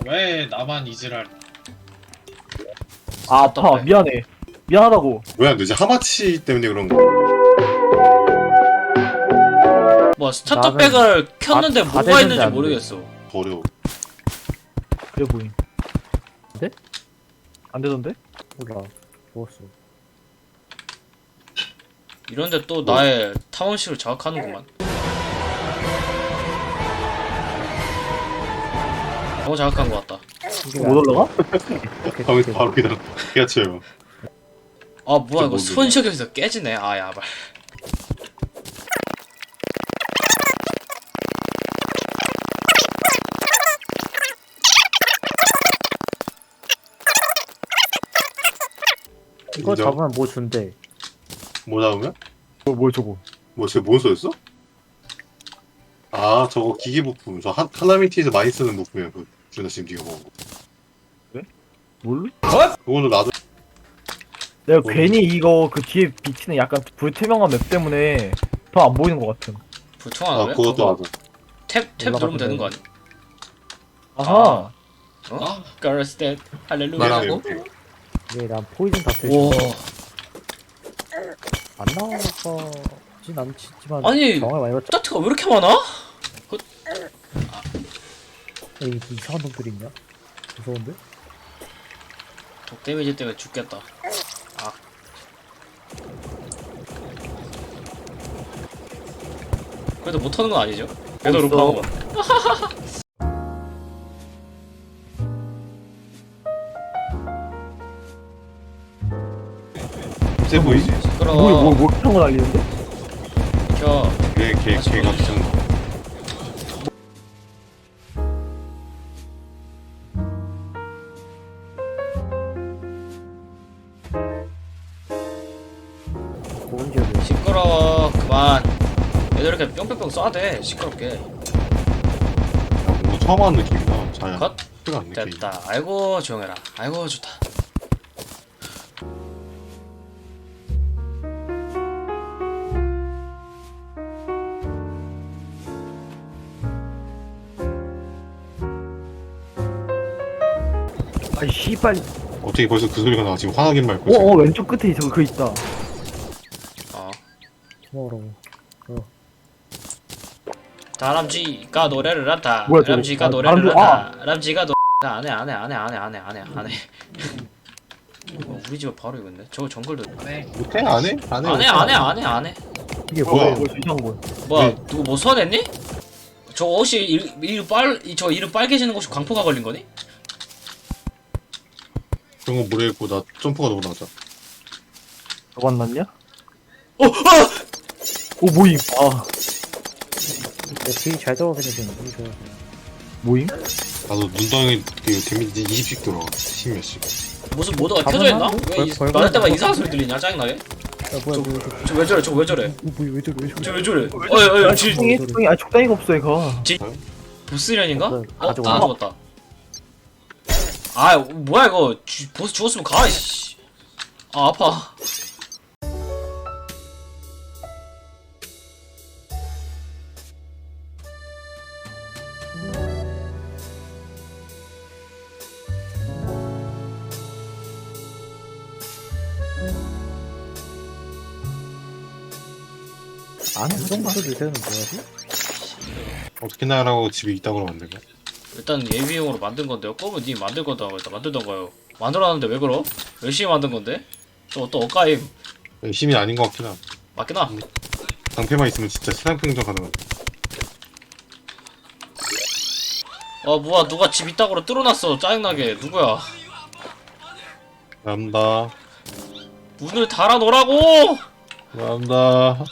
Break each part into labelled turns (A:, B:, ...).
A: 왜 나만 이지랄?
B: 아, 아파. 미안해. 미안하다고.
C: 뭐야, 너 이제 하마치 때문에 그런 거.
D: 뭐 스타터백을 켰는데
B: 다
D: 뭐가
B: 되는데
D: 있는지
B: 안 돼.
D: 모르겠어.
C: 어려워.
B: 그래 보임. 네? 안 되던데?
E: 몰라. 먹었어.
D: 이런데 또 나의 탐험식을 자극하는구만. 너무 자극한 것 같다.
B: 못 올라가?
C: 바로 그냥 깨닫혀요.
D: 아 뭐야 이거
C: 모르겠네.
D: 손시계에서 깨지네. 아 야발.
E: 이거
C: 인정.
E: 잡으면 뭐 준대.
C: 뭐 나오면?
B: 뭐 저거.
C: 뭐, 쟤 몬스터였어? 아, 저거 기계 부품. 저 하나미티에서 많이 쓰는 부품이야. 그, 준아 지금 네가 먹은 거.
B: 뭘로?
C: 그거는 나도.
B: 내가
C: 뭐.
B: 괜히 이거 그 뒤에 비치는 약간 불투명한 맵 때문에 더 안 보이는 것 같음.
D: 불통하네.
C: 그것도 맞아.
D: 탭 누르면 되는 거 아니야?
B: 아하.
D: 어? Girls Dead. 할렐루야.
A: 뭐라고?
E: 왜난 포이즌 다트
D: 와.
E: 안 나와서진 않지만
D: 아니,
E: 정말 많이 봤죠.
D: 스타트가 왜 이렇게 많아?
E: 이 이상한 놈들이 있냐? 무서운데?
D: 독 데미지 때문에 죽겠다. 아. 그래도 못하는 건 아니죠? 그래도
B: 있어.
D: 루팡은.
C: 세 보이지?
D: 시끄러워.
B: 뭐 그런 거 날리는데?
D: 켜.
C: 걔 같은 거.
E: 좋은 지역이
D: 시끄러워. 그만. 얘들 이렇게 뿅뿅뿅 쏴대. 시끄럽게.
C: 뭔가 처음 하는 느낌이다. 잘.
D: 컷.
C: 티가 안 느끼.
D: 됐다. 아이고 조용해라. 아이고 좋다.
B: 아이 씨발.
C: 어떻게 벌써 그 소리가 나? 지금 화나긴 말고. 있어.
B: 왼쪽 끝에 저거 그 있다.
D: 어.
E: 먹으라고.
D: 다람쥐가 노래를 한다.
B: 뭐야, 저거?
D: 다람쥐가
B: 아,
D: 노래를
B: 다람쥐-
D: 한다. 다람쥐가 안해. 우리 집에 바로 이거 있네. 저거 정글도
A: 네.
C: 못해? 안 해? 안 해?
D: 안 해.
E: 이게
C: 뭐야?
E: 뭐야?
B: 뭐 이상한 거.
D: 뭐야
C: 네.
D: 누구 뭐 소환했니? 저 혹시 저 이름 빨개지는 거 혹시 광포가 걸린 거니?
C: 그런 거 모르겠고 나 점프가 너무 낮아.
B: 저거 안 났냐? 모임. 아
E: 되게 잘 들어가긴 했는데 너무 좋아.
B: 모임?
C: 나도 눈덩이 그 데미지 20씩 들어가. 10몇씩.
D: 무슨 모드가
E: 가만
D: 켜져 있나?
E: 하는데?
D: 왜
E: 벌-
D: 말할 때마다
E: 벌-
D: 이상한 소리 들리냐 짜증나게?
E: 야 뭐야 뭐야
D: 저 왜 저래? 저 왜 저래?
E: 왜 저래 왜 저래?
D: 저 왜 저래? 어이
B: 아 적당히 아 적당히가 없어 얘가.
D: 보스련인가?
E: 가져와.
D: 다 죽었다. 아 뭐야 이거 보스 죽었으면 가 이씨. 아 아파.
E: 안에 이 정도 되는 뭐야지?
C: 어떻게 나라고 집에 있다고 만든 거야?
D: 일단 예비용으로 만든 건데요. 꼬면 니 만들 거다 일단 만들던가요. 만들어놨는데 왜 그러? 열심히 만든 건데? 또 엇가임
C: 열심히 아닌 것 같긴 하.
D: 맞긴 하.
C: 방패만 있으면 진짜 세상평정 가능하다.
D: 아 뭐야 누가 집 이따구로 뚫어놨어 짜증나게. 누구야?
C: 감사합니다.
D: 문을 달아놓으라고!
C: 감사합니다.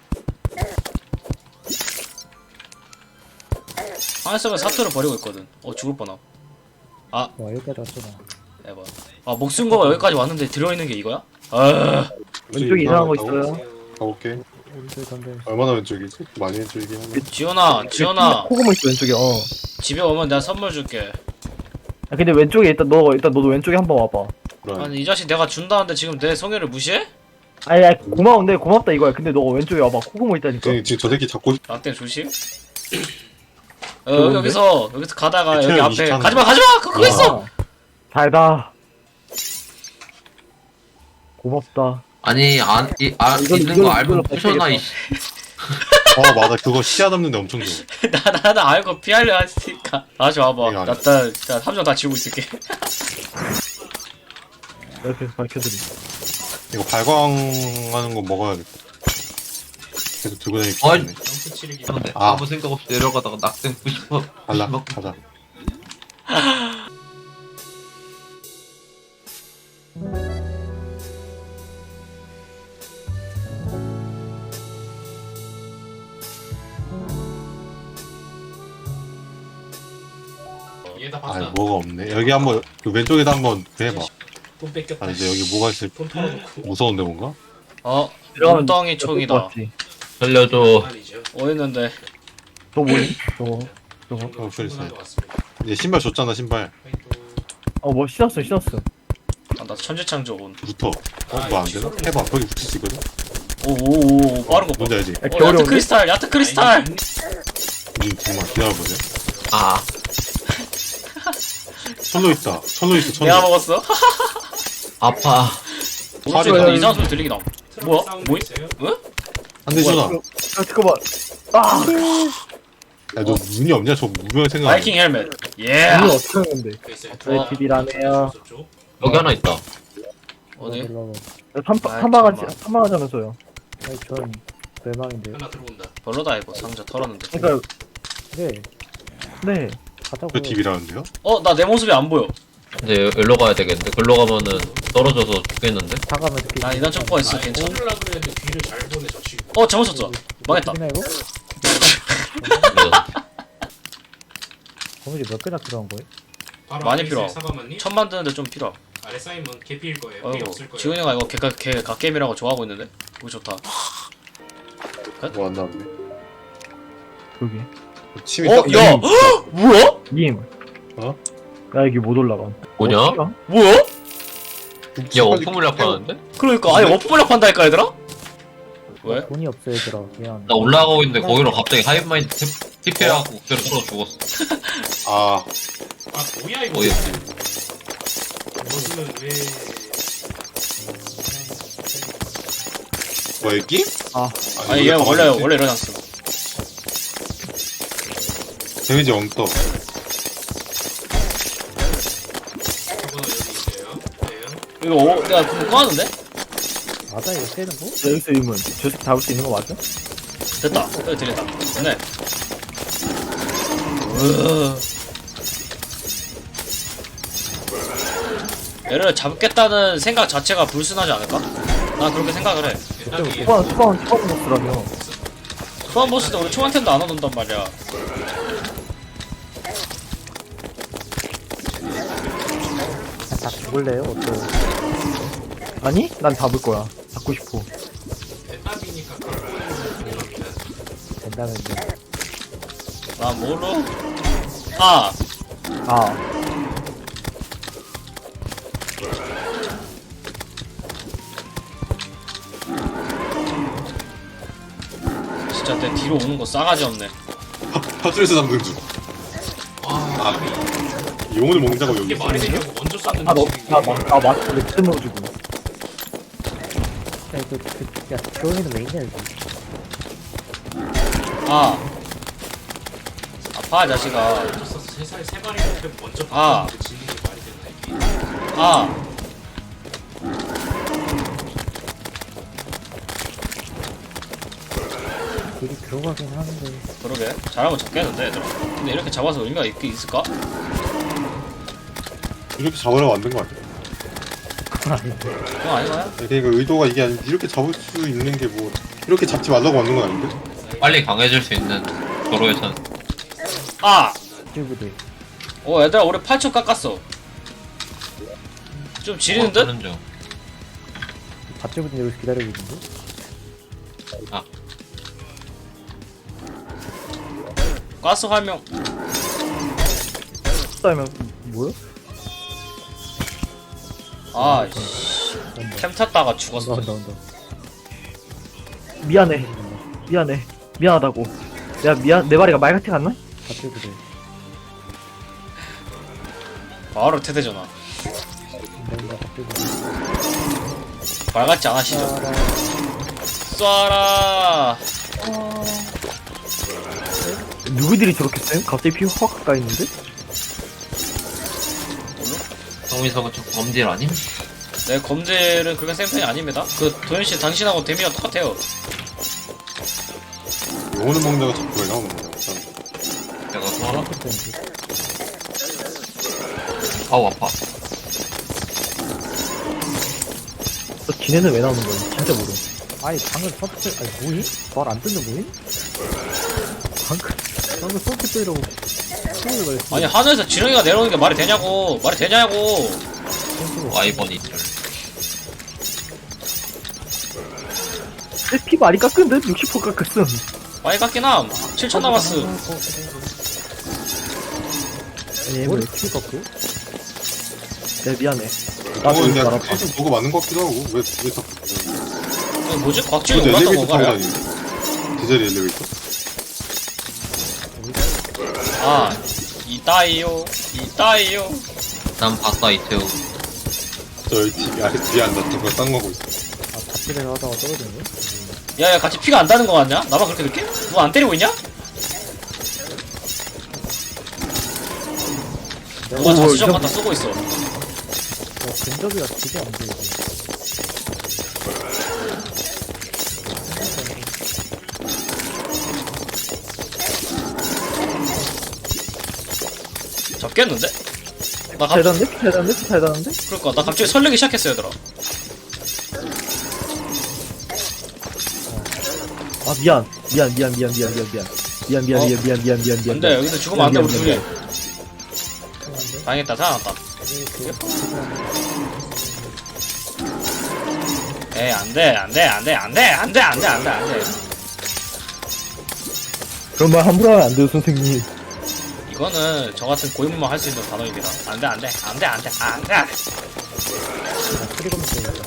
D: 하늘섬에 사투를 버리고 있거든. 죽을 뻔함.
E: 와 여기까지 왔잖아.
D: 에바. 아 목숨거가 여기까지 왔는데 들어있는 게 이거야? 아
B: 왼쪽에 이상한 거 있어요.
C: 가볼게.
E: 우리들 던져.
C: 얼마나 왼쪽이지? 많이 왼쪽이긴 하네.
D: 지연아
B: 코고모 있어 왼쪽에.
D: 집에 오면 내가 선물 줄게.
B: 아 근데 왼쪽에 일단 너도 왼쪽에 한번 와봐.
C: 그래.
D: 아니 이 자식 내가 준다는데 지금 내 성의를 무시해?
B: 아니 고마운데 고맙다 이거야. 근데 너가 왼쪽에 와봐. 코고모 있다니까.
C: 지금 저 새끼 잡고 싶.
D: 라떼 조심.
B: 좋은데?
D: 여기서 가다가 여기
C: 태양
D: 앞에
C: 23.
D: 가지마 그거 있어.
B: 잘다. 고맙다.
A: 아니 있는
B: 이걸로
A: 거 알고
B: 뺏기겠다.
A: 부셔놔 이씨.
C: 맞아 그거 시야 담는데 엄청 좋아.
D: 나는 알고 피하려 했으니까. 다시 와봐.
C: 이거
D: 나 함정 다 지우고 있을게.
B: 이렇게 밝혀드리.
C: 이거 발광하는 거 먹어야겠다. 계속 들고 다니기
A: 어이.
C: 귀찮네.
F: 점프 치르기.
A: 근데
C: 아.
A: 아무 생각 없이 내려가다가 낙생 90번
C: 갈라 가자.
F: 얘다
C: 아
F: 봤다.
C: 뭐가 없네. 여기 한번 그 왼쪽에다 한번 해봐.
F: 돈 뺏겼다.
C: 아 이제 여기 뭐가 있을
F: 돈 털어놓고.
C: 무서운데 뭔가?
B: 들어가면
D: 엉덩이 총이다.
B: 맞지?
A: 살려줘.
F: 말이죠.
D: 어딨는데?
B: 저 뭐니? 저거.
C: 어, 그랬어요.
F: 충분한 것 같습니다.
C: 이제 신발 줬잖아 신발.
B: 뭐 신었어.
D: 나 천재창조 온.
C: 붙어. 뭐 안 되나? 해봐. 거기 붙을 수 있거든.
D: 오오오 빠른 거 봐.
C: 뭔지 알지?
B: 야,
D: 야트
B: 겨울에 온데?
D: 크리스탈 야트 크리스탈.
C: 님 정말 기다려보세요.
A: 아
C: 철로 있다. 철로 있어.
D: 내가
C: 철로.
D: 먹었어.
A: 아파.
D: 오른쪽에
C: 팔이
D: 근데 이상한 소리 들리긴 함. 뭐야?
F: 사운드
D: 뭐야?
F: 있어요?
D: 응?
C: 한대 주나.
B: 야 잠깐만. 아.
C: 야너 눈이 없냐? 저 무명 생각.
D: 바이킹 헬멧. 예.
B: 이거 어떻게 하는 건데?
F: 그 있어요.
B: 왜 TV라네요.
F: 저쪽.
A: 여기 하나 있다.
D: 어디?
B: 탐방하자면서요.
E: 아니 전 멸망인데요.
F: 하나 들어온다.
D: 별로다 이거 상자 털었는데.
B: 그러니까
E: 네
B: 네.
E: 가자고요.
C: 그 TV라는데요?
D: 나 내 모습이 안 보여.
A: 이제 일로 가야 되겠는데. 글로 가면은 떨어져서 죽겠는데.
E: 다가면 이렇게.
D: 난 이단 촉구가 있어 괜찮아.
F: 를 그랬는데 뒤를 잘 보내 저 친구.
D: 잘못 쳤어. 망했다.
E: 나 이거?
A: 그래서
E: 거미줄 몇 개나 필요한 거예요?
F: 바로
D: 많이
F: 아래
D: 필요.
F: 있어요, 사과만님.
D: 천 만드는데 좀 필요.
F: 아래 쌓이면 개피일 거예요. 피
D: 어이구
F: 없을 거예요.
D: 지훈이가 이거 걔 갓게임이라고 좋아하고 있는데. 이거 좋다.
C: 뭐 안 나왔네.
B: 여기.
C: 침이
D: 야!
C: 딱-
D: 뭐야?
B: 님.
C: 어?
B: 나 여기 못 올라가.
A: 뭐냐?
D: 뭐야?
A: 야 원품 물약 하는데?
D: 그러니까 아예 워프블럭 판다니까 얘들아? 왜?
E: 돈이 없어 얘들아. 미안.
A: 나 올라가고 있는데 거기로 갑자기 하이브마인드 TP하고 그대로 떨어 죽었어.
C: 아
F: 아 뭐야 이거.
A: 어이없지.
F: 너는 왜?
C: 뭐 여기?
D: 아니 얘 원래 이러잖어.
C: 데미지 엉떠.
F: 저거는 여기 있어요. 네.
D: 이거 내가 그거 꺼놨는데?
E: 맞아 이거 세는 거?
B: 여기서 이면 저 새끼 잡을 수 있는 거 맞아?
D: 됐다. 여기 들렸다. 됐네. 얘를 잡겠다는 생각 자체가 불순하지 않을까? 난 그렇게 생각을 해.
F: 딱이에요.
B: 소방 보스라며.
D: 소환 보스도 우리 총한텐도 안 얻는단 말이야.
E: 다 죽을래요? 어때요?
B: 아니? 난 잡을 거야. 잡고 싶어.
F: 대답이니까 그걸 보내면 됩니다.
E: 된다면요.
D: 난 뭘로? 아!
B: 아.
D: 진짜 내 뒤로 오는 거 싸가지 없네.
C: 팝스에서 잡는 중.
F: 아,
C: 용을 먹는 작업 여기
F: 이게
C: 있어.
F: 말이 되냐고 먼저 쐈는데
B: 마스크 내 뜸으로 주고.
E: 야 이거 야 지원이는 왜 있냐 여기.
D: 아! 아파 자식아.
F: 먼저 쐈어. 세 발이 옆에 먼저
D: 아.
F: 봤는데 지는 게 말이 되나 이게.
D: 아!
E: 길이 들어가긴 하는데.
D: 그러게. 잘하면 잡겠는데 얘들아. 근데 이렇게 잡아서 의미가 있을까?
C: 이렇게 잡으려고 만든 거 아니야?
E: 아닌데.
D: 그건 아닌 거야?
C: 그러니까 의도가 이게 아니 이렇게 잡을 수 있는 게 뭐 이렇게 잡지 말라고 만든 건 아닌데?
A: 빨리 강해질 수 있는 도로에선
D: 아!
E: 튜브들.
D: 얘들아 우리 8초 깎았어. 좀 지리는 듯?
A: 하는 중.
E: 밭주부들 여기서 기다리고 있는데.
D: 가스 활명.
B: 싸면 뭐야?
D: 아, 씨. 템 탔다가 죽었어.
E: 온다.
B: 미안해. 미안하다고. 야 내 말이가 말 같지 않나?
E: 갑자기 그래.
D: 바로 태대전화.
E: 뭔가 갑자기 그래.
D: 말 같지 않으시죠? 쏴라.
B: 누구들이 저렇게 쎄? 갑자기 피 확 가까이 있는데?
A: 정민석은 좀 범죄 아님?
D: 내 검질은 그렇게 센 편이 아닙니다. 그 도현씨 당신하고 데미가 똑같아요.
C: 영혼을 먹다가 자꾸 왜 나오는 거야?
A: 내가 쏘아라?
E: 던지.
A: 아우 아파.
B: 저 지네는 왜 나오는 거야? 진짜 모르.
E: 아니 방금 서트 아니 뭐임? 말 안 듣는 뭐임? 방금 서트 이라고 소리를 말했어.
D: 아니 하늘에서 지렁이가 내려오는 게 말이 되냐고. 말이 되냐고.
A: 와이번이 들.
B: 내 피 많이 깎은데? 60% 깎았음.
D: 많이 깎긴 함. 7천 남았어.
B: 아니,
E: 머리 키 깎고?
B: 내 미안해. 나도
C: 근데
B: 이거
C: 약간
B: 알았다.
C: 계속 뭐가 맞는 것 같기도 하고 왜 자꾸
D: 이거 뭐지? 곽지훈이
C: 근데
D: 올랐던
C: 엘리베이터 타고
D: 건가요?
C: 다니는데 디젤 엘리베이터?
D: 아, 이따이요. 이따이요.
A: 난 봤다 이태우.
C: 저 여기 뒤에 앉았던 거 딴 거고 있어.
E: 아 밭집에서 하다가 떨어졌네?
D: 야, 야, 같이 피가 안 다는 거 같냐? 나만 그렇게 느껴? 너 안 때리고 있냐? 누가 자수정 갖다 쓰고 있어.
E: 근접이라 되게 안 보이지.
D: 잡겠는데? 나
B: 잘
D: 갑,
B: 다는데? 잘 다는데? 잘 다는데?
D: 그러니까 나 갑자기 설레기 시작했어, 얘들아.
B: 아 미안. 미안. 미안. 미안. 미안. 미안. 미안. 미안. 미안.
D: 어?
B: 미안. 미안. 미안. 미안. 미안.
D: 근데 여기서 죽으면 안 돼, 우리
B: 미안,
D: 둘이.
B: 미안,
D: 당했다, 살아났다. 에이, 안 돼, 안 돼, 안 돼, 안 돼, 안 돼, 안 돼, 안 돼, 안 돼.
B: 그런 말 함부로 하면 안 돼요, 선생님.
D: 이거는 저 같은 고인물만 할 수 있는 단어입니다. 안 돼, 안 돼, 안 돼, 안 돼, 안 돼.
E: 소리 검은 거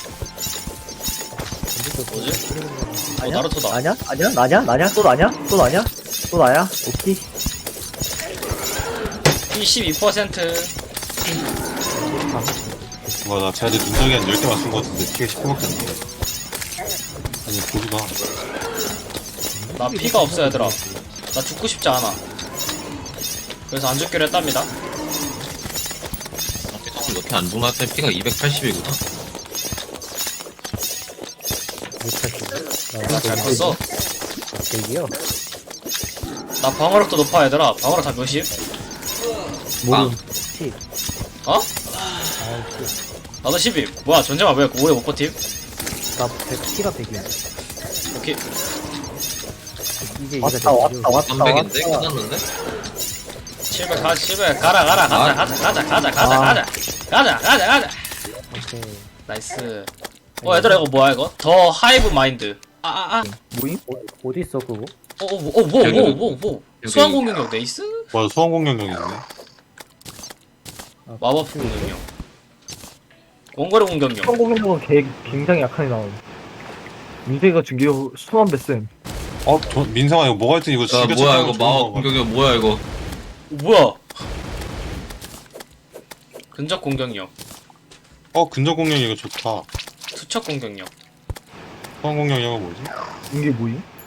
D: 뭐지?
B: 아냐?
D: 나루토다.
B: 아냐? 아냐? 나냐? 나냐? 또 나냐? 또 나냐? 또 나야? 오케이.
D: P12%.
C: 와, 나 쟤한테 눈덩이 한 10개 맞춘 거 같은데 피가 10%밖에 안 돼. 아니, 보지마.
D: 나 피가 없어, 얘들아. 나 죽고 싶지 않아. 그래서 안 죽기로 했답니다.
A: 피터는 이렇게 안 죽나 했더니 피가 280이구나.
D: 잘 컸어.
E: 대기요?
D: 나 방어력도 높아, 얘들아. 방어력 다 몇십?
B: 모름.
D: 어?
E: 아우
D: 나도 10임. 뭐야, 전쟁아 왜 오래 못 버팀?
E: 나 100키가 100이야.
D: 오케이.
E: 이게
B: 왔다, 왔다, 왔다.
A: 300인데? 끝났는데?
D: 700 가, 700 가라, 가라, 가자, 가자, 가자, 가자, 가자,
B: 아.
D: 가자. 가자, 가자, 가자.
E: 오케이.
D: 나이스. 얘들아, 이거 뭐야, 이거? 더 하이브 마인드.
B: 뭐임?
E: 어디 있어 그거?
D: 뭐.
A: 여기.
D: 수환 공격력 네이스?
C: 맞아, 소환 공격력 있네.
D: 마법 공격력. 원거리 공격력.
B: 성공력은 굉장히 약하게 나옴. 민세가 준게 수만 배쌤.
C: 민상아, 이거 뭐가 있든 이거
A: 야
C: 지가
A: 뭐야
C: 찾아서
A: 이거
C: 좋은
A: 마법
C: 거 같아.
A: 공격이 뭐야 이거.
D: 뭐야? 근접 공격력.
C: 근접 공격 이거 좋다.
D: 투척 공격력.
C: 소환 공격력은 뭐지?
B: 이게 뭐임?